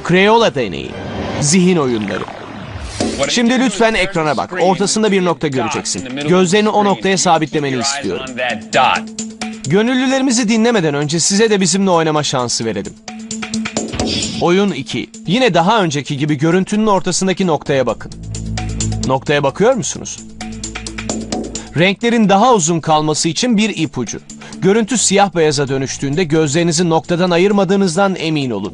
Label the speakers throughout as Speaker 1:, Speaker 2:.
Speaker 1: Crayola deneyi. Zihin oyunları. Şimdi lütfen ekrana bak. Ortasında bir nokta göreceksin. Gözlerini o noktaya sabitlemeni istiyorum. Gönüllülerimizi dinlemeden önce size de bizimle oynama şansı verelim. Oyun 2. Yine daha önceki gibi görüntünün ortasındaki noktaya bakın. Noktaya bakıyor musunuz? Renklerin daha uzun kalması için bir ipucu. Görüntü siyah beyaza dönüştüğünde gözlerinizi noktadan ayırmadığınızdan emin olun.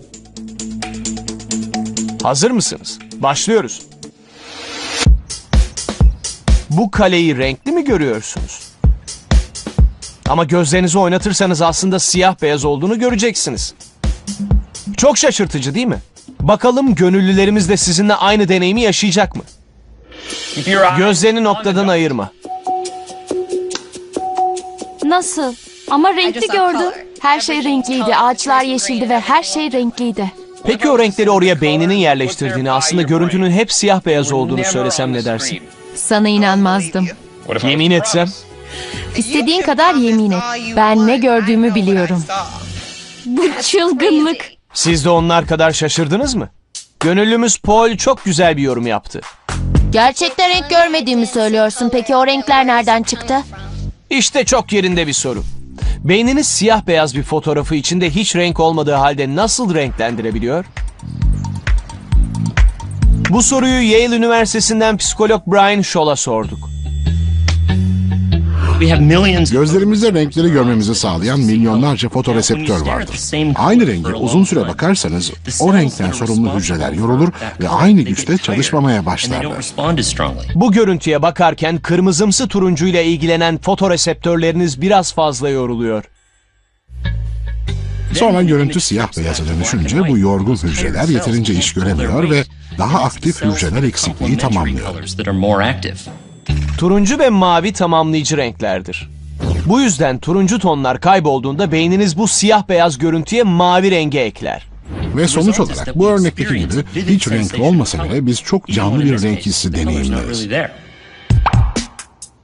Speaker 1: Hazır mısınız? Başlıyoruz. Bu kaleyi renkli mi görüyorsunuz? Ama gözlerinizi oynatırsanız aslında siyah beyaz olduğunu göreceksiniz. Çok şaşırtıcı değil mi? Bakalım gönüllülerimiz de sizinle aynı deneyimi yaşayacak mı? Gözlerini noktadan ayırma.
Speaker 2: Nasıl? Ama renkli gördüm. Her şey renkliydi. Ağaçlar yeşildi ve her şey renkliydi.
Speaker 1: Peki o renkleri oraya beyninin yerleştirdiğini, aslında görüntünün hep siyah beyaz olduğunu söylesem ne dersin?
Speaker 2: Sana inanmazdım.
Speaker 1: Yemin etsem?
Speaker 2: İstediğin kadar yemin et. Ben ne gördüğümü biliyorum. Bu çılgınlık.
Speaker 1: Siz de onlar kadar şaşırdınız mı? Gönüllümüz Paul çok güzel bir yorum yaptı.
Speaker 2: Gerçekten renk görmediğimi söylüyorsun. Peki o renkler nereden çıktı?
Speaker 1: İşte çok yerinde bir soru. Beyniniz siyah beyaz bir fotoğrafı içinde hiç renk olmadığı halde nasıl renklendirebiliyor? Bu soruyu Yale Üniversitesi'nden psikolog Brian Scholl'a sorduk.
Speaker 3: Gözlerimizde renkleri görmemizi sağlayan milyonlarca fotoreseptör vardır. Aynı renge uzun süre bakarsanız o renkten sorumlu hücreler yorulur ve aynı güçte çalışmamaya başlarlar.
Speaker 1: Bu görüntüye bakarken kırmızımsı turuncuyla ilgilenen fotoreseptörleriniz biraz fazla yoruluyor.
Speaker 3: Sonra görüntü siyah beyaza dönüşünce bu yorgun hücreler yeterince iş göremiyor ve daha aktif hücreler eksikliği tamamlıyor.
Speaker 1: Turuncu ve mavi tamamlayıcı renklerdir. Bu yüzden turuncu tonlar kaybolduğunda beyniniz bu siyah beyaz görüntüye mavi rengi ekler.
Speaker 3: Ve sonuç olarak bu örnekteki gibi hiç renk olmasa bile biz çok canlı bir renk hissi deneyimleriz.